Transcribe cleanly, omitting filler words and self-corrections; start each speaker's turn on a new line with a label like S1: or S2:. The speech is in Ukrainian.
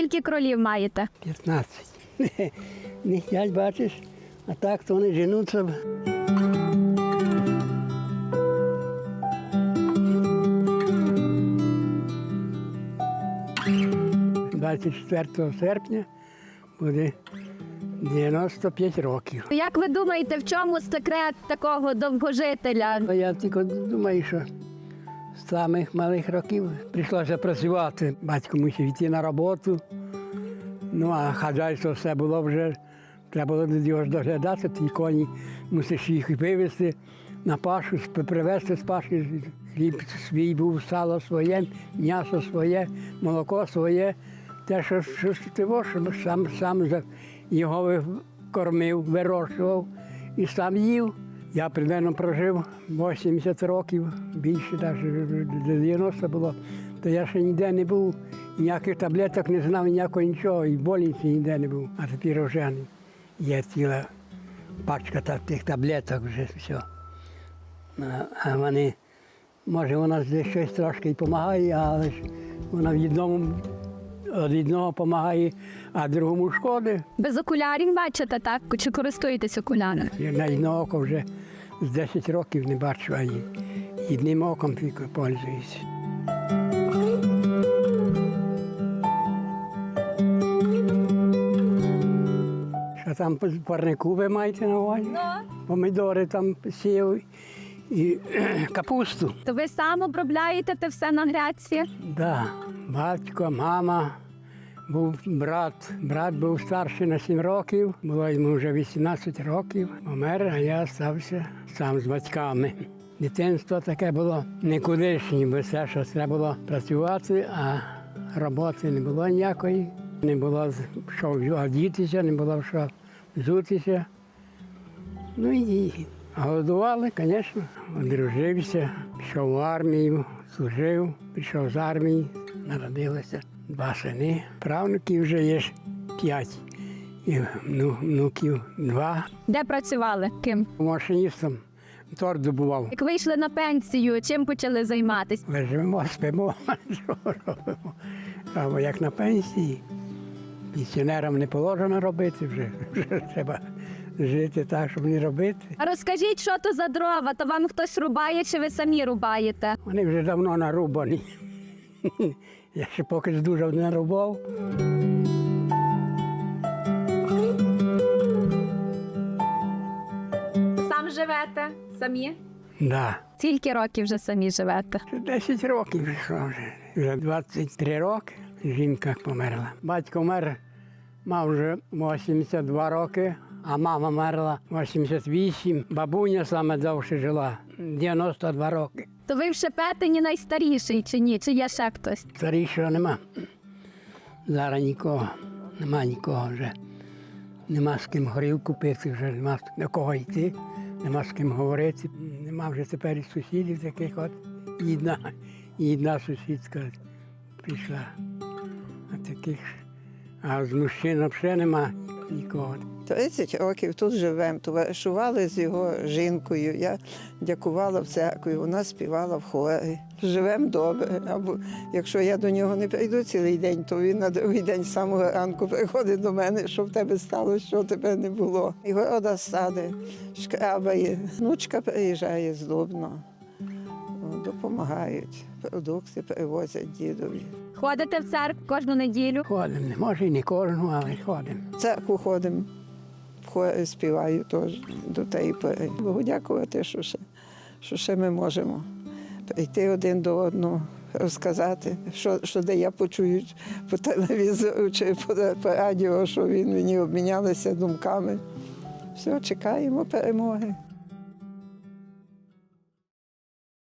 S1: Скільки кролів маєте?
S2: 15. Не хотять, бачиш, а так то вони женуться. 24 серпня буде 95 років.
S1: Як ви думаєте, в чому секрет такого довгожителя?
S2: Я тільки думаю, що з самих малих років прийшлося працювати. Батько мусив йти на роботу. Ну, а хазяйство все було вже, треба було до його доглядати, ті коні мусиш їх вивезти на пашу, привезти з паші. Хліб свій був, сало своє, м'ясо своє, молоко своє. Те, що сам його кормив, вирощував і сам їв. Я примерно прожив 80 років, більше, навіть 90 було. То я ще ніде не був, ніяких таблеток не знав, ніякого нічого, і в больниці ніде не був. А тепер вже є ціла пачка тих таблеток вже все. А вони, може, вона десь щось трошки і допомагає, але ж вона від одного допомагає, а другому шкодить.
S1: Без окулярів бачите, так? Чи користуєтесь окулярами?
S2: Я на одне око вже з 10 років не бачу, а одним оком тільки пользуюся. Що там по парнику ви маєте на увазі? Помідори там сів і капусту.
S1: То ви сам обробляєте те все на грядці?
S2: Да, батько, мама, був брат. Брат був старший на 7 років, було йому вже 18 років. Помер, а я залишився сам з батьками. Дитинство таке було нікудишнє, бо все, що треба було працювати, а роботи не було ніякої. Не було що одітися, не було що взутися. Ну і голодували, звісно. Одружився, пішов в армію, служив, пішов з армії, народилося 2 сини. Правнуків вже є 5, і внуків 2.
S1: Де працювали? Ким?
S2: Машиністом торт добував.
S1: Як вийшли на пенсію, чим почали займатися?
S2: Лежимо, спимо, що робимо. Або як на пенсії. Пенсіонерам не положено робити вже треба жити так, щоб не робити.
S1: А розкажіть, що то за дрова? То вам хтось рубає, чи ви самі рубаєте?
S2: Вони вже давно нарубані. Я ще поки дуже не рубав.
S1: Сам живете? Самі?
S2: Да.
S1: Скільки років вже самі живете?
S2: 10 років прийшло вже. Вже 23 роки жінка померла. Батько вмер, мав вже 82 роки, а мама мерла 88. Бабуня саме довше жила, 92 роки.
S1: То ви в Шепетині найстаріший чи ні? Чи є ще хтось?
S2: Старішого нема. Зараз нікого, нема нікого вже. Нема з ким горілку пити, вже нема до кого йти, нема з ким говорити. Нема вже тепер і сусідів таких от. І одна сусідка прийшла. А з мужчин взагалі нема нікого.
S3: 30 років тут живемо, товаришували з його жінкою. Я дякувала в церкві, вона співала в хорі. Живемо добре. Або якщо я до нього не прийду цілий день, то він на другий день з самого ранку приходить до мене, що в тебе сталося, що тебе не було. І города сади, шкрабає. Внучка приїжджає з Дубно, допомагають, продукти привозять дідові.
S1: Ходите в церкву кожну неділю?
S2: Ходимо, може і не кожну, але ходимо.
S3: В церкву ходимо, в хорі співаю теж до тієї пори. Богу дякувати, що ще ми можемо прийти один до одного, розказати, що де я почую по телевізору чи по радіо, що він мені обмінялися думками. Все, чекаємо перемоги.